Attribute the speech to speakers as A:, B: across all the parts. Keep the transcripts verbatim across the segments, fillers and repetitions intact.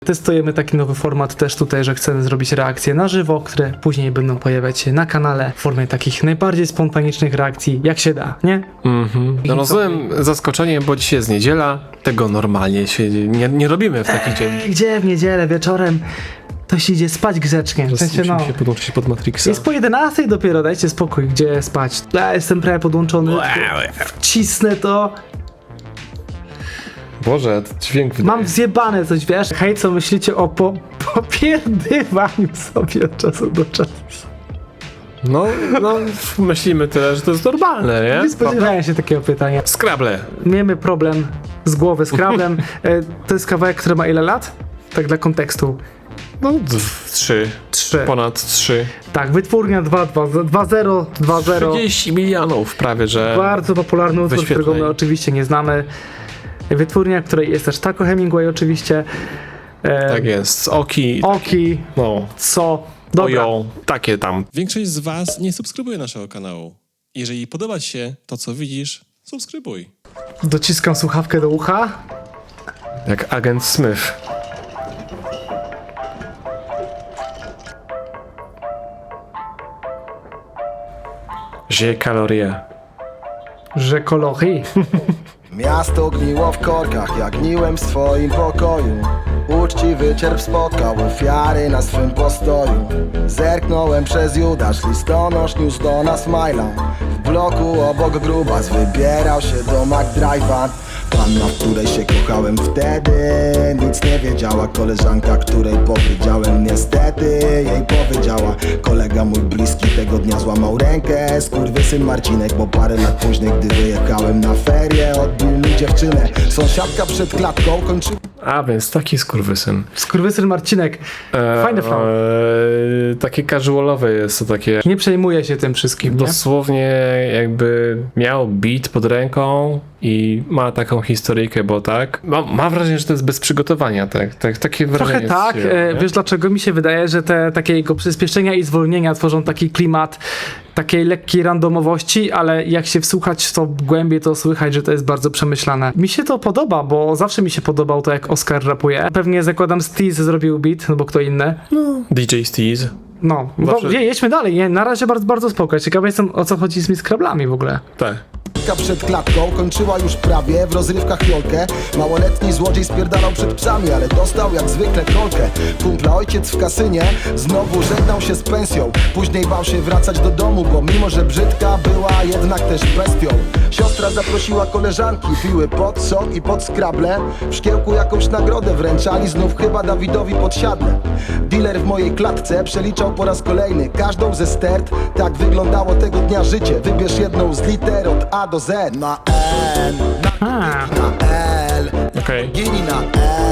A: Testujemy taki nowy format też tutaj, że chcemy zrobić reakcje na żywo, które później będą pojawiać się na kanale w formie takich najbardziej spontanicznych reakcji, jak się da, nie?
B: Mhm. No rozumiem zaskoczenie, bo dzisiaj jest niedziela, tego normalnie się nie, nie robimy w taki dzień.
A: Eee, gdzie w niedzielę wieczorem to się idzie spać grzecznie. W sensie, no,
B: się podłączyć pod Matrixa.
A: jest po jedenastej dopiero, dajcie spokój, gdzie spać. Ja jestem prawie podłączony, wcisnę to.
B: Boże, to dźwięk wydaje.
A: Mam zjebane coś, wiesz? Hej, co myślicie o po, popierdywaniu sobie od czasu do czasu?
B: No, no, myślimy tyle, że to jest normalne, nie?
A: Nie spodziewałem się takiego pytania.
B: Scrabble.
A: Miejmy problem z głowy z Scrabblem. E, to jest kawałek, który ma ile lat? Tak dla kontekstu.
B: No, d- trzy.
A: Trzy.
B: Ponad trzy.
A: Tak, wytwórnia dwa zero dwa zero.
B: trzydzieści milionów prawie, że...
A: Bardzo popularny utwór,
B: wyświetleń.
A: którego my oczywiście nie znamy. Wytwórnia, której jest też Taco Hemingway oczywiście. E,
B: Tak jest. Oki.
A: Oki,
B: No.
A: co? Dobra.
B: Ojo. Takie tam.
C: Większość z Was nie subskrybuje naszego kanału. Jeżeli podoba Ci się to, co widzisz, subskrybuj.
A: Dociskam słuchawkę do ucha.
B: Jak agent Smith. Żyje kalorie.
A: Że kolochi.
D: Miasto gniło w korkach, jak gniłem w swoim pokoju. Uczciwy cierp spotkał ofiary na swym postoju. Zerknąłem przez Judasz, listonosz niósł do nas maila. W bloku obok grubas wybierał się do McDrive'a. Panna, w której się kochałem wtedy, nic nie wiedziała. Koleżanka, której powiedziałem niestety, jej powiedziała. Kolega mój bliski tego dnia złamał rękę. Skurwysyn Marcinek, bo parę lat później, gdy wyjechałem na ferie, odbił mi dziewczynę. Sąsiadka przed klatką kończyła.
B: A, więc taki skurwysyn.
A: Skurwysyn Marcinek.
B: E,
A: Fajny flow.
B: E, takie casualowe jest to takie...
A: Nie przejmuję się tym wszystkim, nie?
B: Dosłownie jakby miał beat pod ręką i ma taką historyjkę, bo tak. Mam, mam wrażenie, że to jest bez przygotowania, tak? tak takie wrażenie.
A: Trochę tak.
B: jest,
A: E,
B: nie?
A: wiesz dlaczego mi się wydaje, że te takie jego przyspieszenia i zwolnienia tworzą taki klimat takiej lekkiej randomowości, ale jak się wsłuchać w to głębiej, to słychać, że to jest bardzo przemyślane. Mi się to podoba, bo zawsze mi się podobał to, jak Oskar rapuje. Pewnie zakładam Steez zrobił beat, no bo kto inny.
B: D J Steez.
A: No,
B: Zawsze-
A: bo, je, jedźmy dalej. Nie, na razie bardzo, bardzo spoko. Ciekawy jestem, o co chodzi z tymi skrablami w ogóle.
B: Tak.
D: Przed klatką kończyła już prawie w rozrywkach jolkę. Małoletni złodziej spierdalał przed psami, ale dostał jak zwykle kolkę. Kumpla ojciec w kasynie znowu żegnał się z pensją. Później bał się wracać do domu, bo mimo że brzydka była jednak też bestią. Siostra zaprosiła koleżanki, piły pod sok i pod skrable. W szkiełku jakąś nagrodę wręczali, znów chyba Dawidowi podsiadle. Dealer w mojej klatce przeliczał po raz kolejny każdą ze stert. Tak wyglądało tego dnia życie. Wybierz jedną z liter od A do Z. Na N, narkotyki na L,
B: Okej.
D: gini na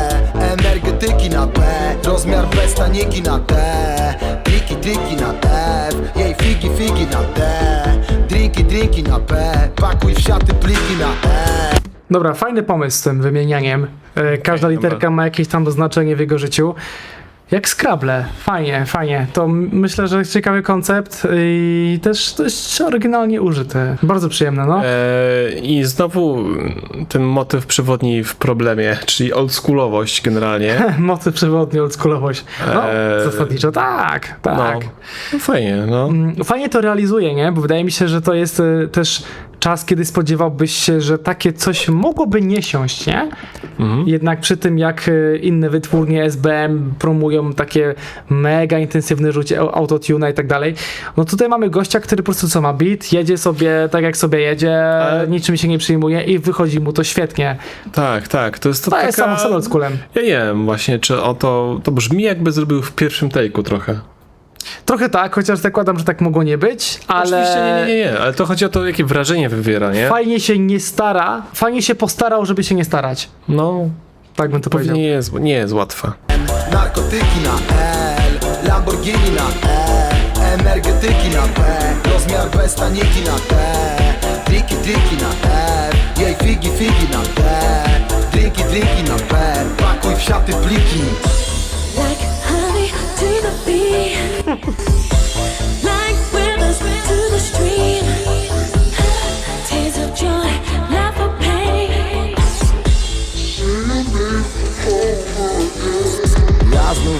D: E, energetyki na P, rozmiar bez taniki na T, triki triki na F, jej figi figi na D, drinki drinki na P, pakuj w siaty pliki na E.
A: Dobra, fajny pomysł z tym wymienianiem. E, każda
B: Okej,
A: literka
B: dobra.
A: ma jakieś tam znaczenie w jego życiu. Jak Scrabble. Fajnie, fajnie. To m- myślę, że ciekawy koncept i też dość oryginalnie użyty. Bardzo przyjemne, no.
B: E, I znowu ten motyw przewodni w problemie, czyli oldschoolowość generalnie.
A: Mocy przewodni, oldschoolowość. No,
B: Eee,
A: zasadniczo tak, tak.
B: No, no fajnie, no.
A: Mm, Fajnie to realizuje, nie? Bo wydaje mi się, że to jest y, też czas, kiedy spodziewałbyś się, że takie coś mogłoby nie siąść, nie?
B: Mhm.
A: Jednak przy tym, jak y, inne wytwórnie S B M promują takie mega intensywne rzucie au- autotuna i tak dalej, no tutaj mamy gościa, który po prostu co ma beat, jedzie sobie tak jak sobie jedzie,
B: Ale-
A: niczym się nie przyjmuje i wychodzi mu to świetnie.
B: Tak, tak. To jest to
A: To
B: taka...
A: jest samo z oldschoolem.
B: Ja nie wiem właśnie, czy o to... To brzmi jakby zrobił w pierwszym take'u trochę.
A: Trochę tak, chociaż zakładam, że tak mogło nie być, ale...
B: Oczywiście nie, nie, nie, nie, ale to chodzi o to, jakie wrażenie wywiera, nie?
A: Fajnie się nie stara, fajnie się postarał, żeby się nie starać.
B: No,
A: Tak bym to
B: pewnie
A: powiedział.
B: nie jest, nie jest łatwa.
D: Narkotyki na L, Lamborghini na E, energetyki na P, rozmiar bez taniki na T, triki triki na F, jej figi figi na D, drinki drinki na P, pakuj w siaty pliki.
E: Like honey to the bee, like rivers to the stream. Tears of joy, not for pain.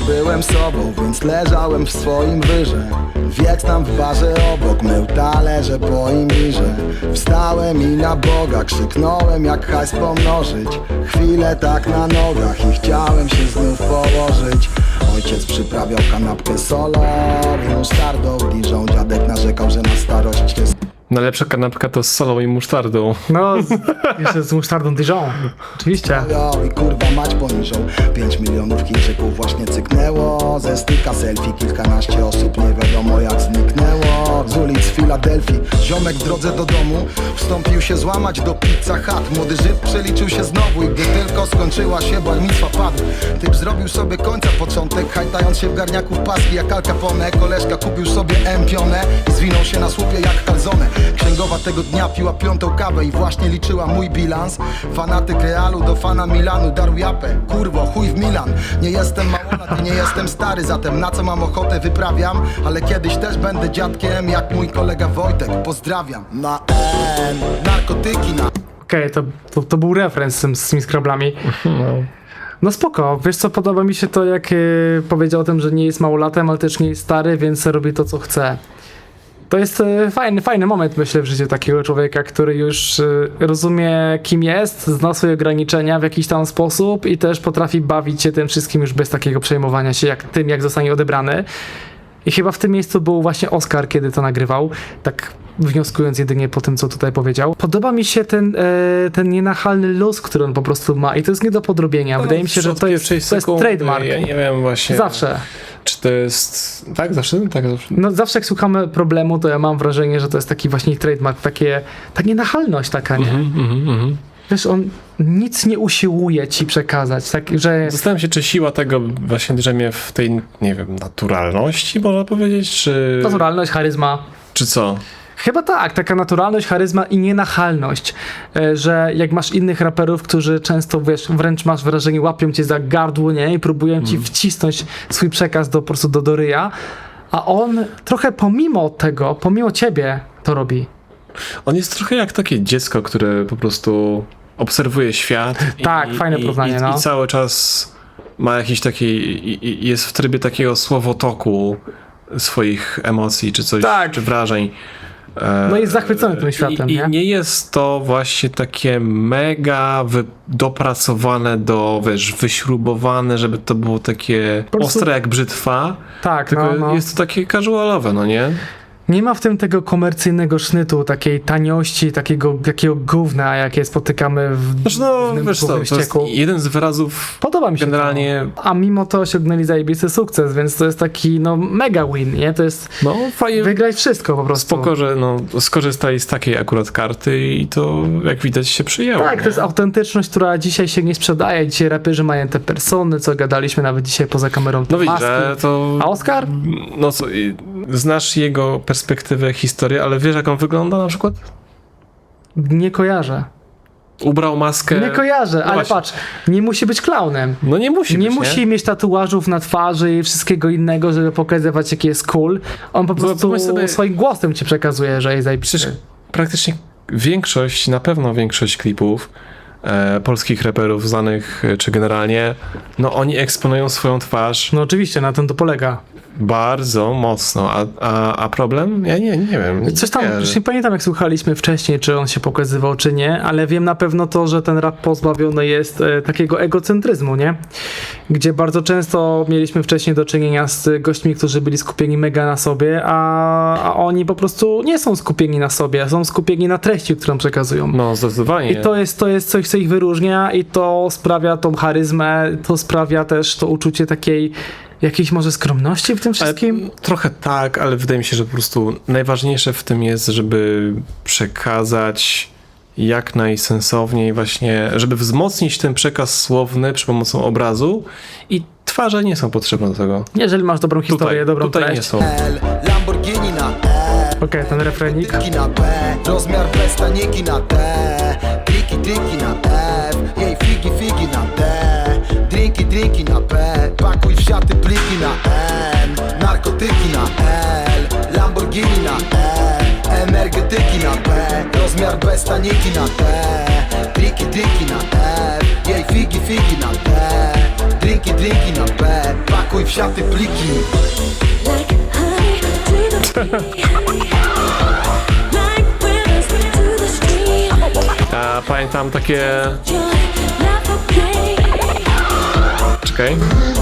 D: byłem sobą, więc leżałem w swoim wyrze. Wietnam w barze obok, mył talerze po imirze. Wstałem i na Boga krzyknąłem, jak hajs pomnożyć. Chwilę tak na nogach i chciałem się znów położyć. Ojciec przyprawiał kanapkę solo i musztardą. Dijon dziadek narzekał, że na starość jest.
B: Najlepsza kanapka to z solą i musztardą.
A: No, z, jeszcze z musztardą Dijon. Oczywiście.
D: I kurwa mać poniżą. Pięć milionów Chińczyków właśnie cyknęło. Ze styka selfie kilkanaście osób nie wiadomo jak zniknęło. Z ulic Filadelfii ziomek w drodze do domu wstąpił się złamać do Pizza Hut. Młody Żyd przeliczył się znowu i gdy tylko skończyła się bar mitzwa padł. Typ zrobił sobie końca początek, hajtając się w garniaku w paski jak Al Capone. Koleżka kupił sobie empionę i zwinął się na słupie jak kalzone. Księgowa tego dnia piła piątą kawę i właśnie liczyła mój bilans. Fanatyk Realu do fana Milanu darł japę. Kurwo, chuj w Milan. Nie jestem małolat i nie jestem stary, zatem na co mam ochotę wyprawiam. Ale kiedyś też będę dziadkiem jak mój kolega Wojtek. Pozdrawiam. Na N, narkotyki na...
A: Okej, okay, to, to, to był referenz z, tym- z tymi skrablami. No spoko, wiesz co, podoba mi się to, jak yy, powiedział o tym, że nie jest małolatem, ale też nie jest stary, więc robi to, co chce. To jest e, fajny, fajny moment, myślę, w życiu takiego człowieka, który już e, rozumie, kim jest, zna swoje ograniczenia w jakiś tam sposób i też potrafi bawić się tym wszystkim już bez takiego przejmowania się jak tym, jak zostanie odebrany. I chyba w tym miejscu był właśnie Oskar, kiedy to nagrywał, tak wnioskując jedynie po tym, co tutaj powiedział. Podoba mi się ten, e, ten nienachalny luz, który on po prostu ma i to jest nie do podrobienia. Wydaje mi się, że to jest, to jest trademark.
B: Ja nie wiem właśnie.
A: Zawsze.
B: Czy to jest... Tak, zawsze? Tak, zawsze.
A: No zawsze jak słuchamy problemu, to ja mam wrażenie, że to jest taki właśnie trademark, takie, ta nienachalność taka, nie?
B: Mhm, mhm, mhm.
A: Wiesz, on nic nie usiłuje ci przekazać, tak, że...
B: Zastanawiam się, czy siła tego właśnie drzemie w tej, nie wiem, naturalności, można powiedzieć, czy...
A: Naturalność, charyzma.
B: Czy co?
A: Chyba tak, taka naturalność, charyzma i nienachalność, e, że jak masz innych raperów, którzy często, wiesz, wręcz masz wrażenie, łapią cię za gardło, nie? I próbują ci wcisnąć swój przekaz do, po prostu do, do ryja, a on trochę pomimo tego, pomimo ciebie to robi.
B: On jest trochę jak takie dziecko, które po prostu obserwuje świat.
A: Tak, fajne porównanie,
B: i,
A: no.
B: I cały czas ma jakiś taki, i, i jest w trybie takiego słowotoku swoich emocji, czy coś,
A: Tak.
B: czy wrażeń. E,
A: No jest zachwycony tym światem,
B: i,
A: nie?
B: I nie jest to właśnie takie mega wy, dopracowane do, wiesz, wyśrubowane, żeby to było takie
A: Po prostu-
B: ostre jak brzytwa,
A: Tak,
B: tylko
A: no, no.
B: jest to takie casualowe, no nie?
A: Nie ma w tym tego komercyjnego sznytu, takiej taniości, takiego, takiego gówna, jakie spotykamy w
B: Znaczy no,
A: głównym,
B: wiesz co,
A: głównym
B: to jest
A: ścieku.
B: jeden z wyrazów
A: Podoba mi się
B: generalnie...
A: to. A mimo to osiągnęli zajebisty sukces, więc to jest taki, no, mega win, nie? To jest
B: No fajnie,
A: wygrać wszystko po prostu.
B: spoko, że no, skorzystali z takiej akurat karty i to jak widać się przyjęło.
A: Tak,
B: nie?
A: to jest autentyczność, która dzisiaj się nie sprzedaje. Dzisiaj raperzy mają te persony, co gadaliśmy nawet dzisiaj poza kamerą. te
B: No widzisz,
A: maski.
B: że to...
A: A Oskar?
B: No co, i- znasz jego perspektywę, historię, ale wiesz jak on wygląda na przykład?
A: Nie kojarzę.
B: Ubrał maskę...
A: Nie kojarzę,
B: No
A: ale
B: właśnie.
A: patrz, nie musi być klaunem.
B: No nie musi
A: Nie
B: być,
A: musi mieć tatuażów na twarzy i wszystkiego innego, żeby pokazywać, jaki jest cool. On po
B: No,
A: prostu
B: pomyśl sobie-
A: swoim głosem ci przekazuje, że jest zajebisty.
B: Przecież praktycznie większość, na pewno większość klipów e, polskich raperów znanych, e, czy generalnie, no oni eksponują swoją twarz
A: No oczywiście, na tym to polega.
B: bardzo mocno, a, a, a problem? Ja nie, nie wiem.
A: Coś tam,
B: nie,
A: już nie pamiętam jak słuchaliśmy wcześniej, czy on się pokazywał, czy nie, ale wiem na pewno to, że ten rap pozbawiony jest e, takiego egocentryzmu, nie? Gdzie bardzo często mieliśmy wcześniej do czynienia z gośćmi, którzy byli skupieni mega na sobie, a, a oni po prostu nie są skupieni na sobie, są skupieni na treści, którą przekazują.
B: No zdecydowanie.
A: I to jest, to jest coś, co ich wyróżnia i to sprawia tą charyzmę, to sprawia też to uczucie takiej jakiejś może skromności w tym wszystkim.
B: Ale, trochę tak, ale wydaje mi się, że po prostu najważniejsze w tym jest, żeby przekazać jak najsensowniej właśnie, żeby wzmocnić ten przekaz słowny przy pomocą obrazu i twarze nie są potrzebne do tego.
A: Jeżeli masz dobrą historię,
B: Tutaj,
A: dobrą
B: tutaj nie
A: treść.
B: są.
D: L, Lamborghini na E,
A: Okej, ten refrenik.
D: Tyki na B, rozmiar bez taniki na T, triki, triki na F, jej figi, figi na D, drinki, drinki na P, pakuj w siaty pliki na N, narkotyki na L, Lamborghini na E, energetyki na P, rozmiar bez taniki na T, triki, triki na F, jej figi, figi na D, drinki, drinki na P, pakuj Spakuj w siaty pliki.
E: Like honey to the bee. Like rivers to the stream.
B: A pamiętam takie...
E: Joy, not for pain.
B: Czekaj.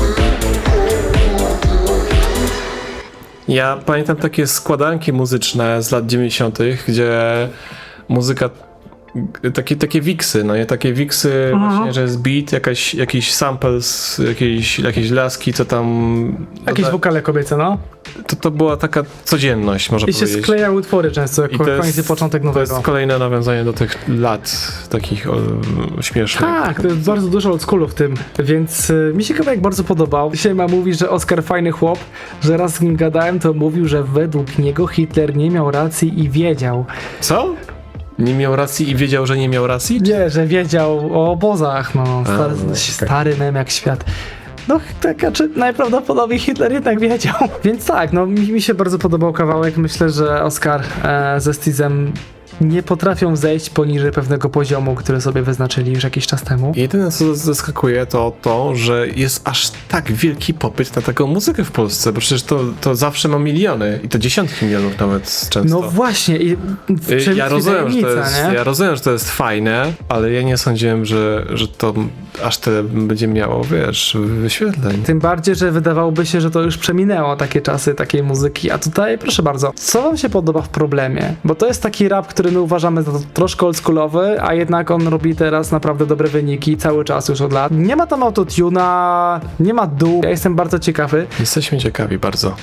B: Ja pamiętam takie składanki muzyczne z lat dziewięćdziesiątych, gdzie muzyka, takie, takie wiksy, no nie, takie wiksy właśnie, że jest beat, jakaś, jakiś sample z jakiejś, jakiejś laski, co tam...
A: Jakieś
B: to,
A: wokale kobiece, no.
B: to, to była taka codzienność, można
A: I się
B: powiedzieć.
A: sklejały utwory często, jako koniec i początek
B: to
A: nowego.
B: jest kolejne nawiązanie do tych lat takich o, śmiesznych.
A: Tak, to jest bardzo dużo oldschoolu w tym, więc y, mi się kawałek bardzo podobał. Dzisiaj ma mówi, że Oskar fajny chłop, że raz z nim gadałem, to mówił, że według niego Hitler nie miał racji i wiedział.
B: Co? Nie miał racji i wiedział, że nie miał racji?
A: Nie, że wiedział o obozach, no. Stary,
B: no, okej.
A: stary mem jak świat. No, tak, czy najprawdopodobniej Hitler jednak wiedział. Więc tak, no mi, mi się bardzo podobał kawałek. Myślę, że Oskar e, ze Stizem nie potrafią zejść poniżej pewnego poziomu, który sobie wyznaczyli już jakiś czas temu.
B: Jedyne, co zaskakuje, to to, że jest aż tak wielki popyt na taką muzykę w Polsce, bo przecież to, to zawsze ma miliony i to dziesiątki milionów nawet często.
A: No właśnie, i w
B: Y,
A: czym
B: ja
A: tkwi
B: rozumiem, że to
A: tajemnica,
B: jest,
A: nie?
B: ja rozumiem, że to jest fajne, ale ja nie sądziłem, że, że to aż tyle będzie miało, wiesz, wyświetleń.
A: Tym bardziej, że wydawałoby się, że to już przeminęło takie czasy takiej muzyki, a tutaj proszę bardzo, co wam się podoba w Problemie? Bo to jest taki rap, który my uważamy za troszkę oldschoolowy, a jednak on robi teraz naprawdę dobre wyniki cały czas już od lat. Nie ma tam autotuna, nie ma dół. Ja jestem bardzo ciekawy.
B: Jesteśmy ciekawi bardzo.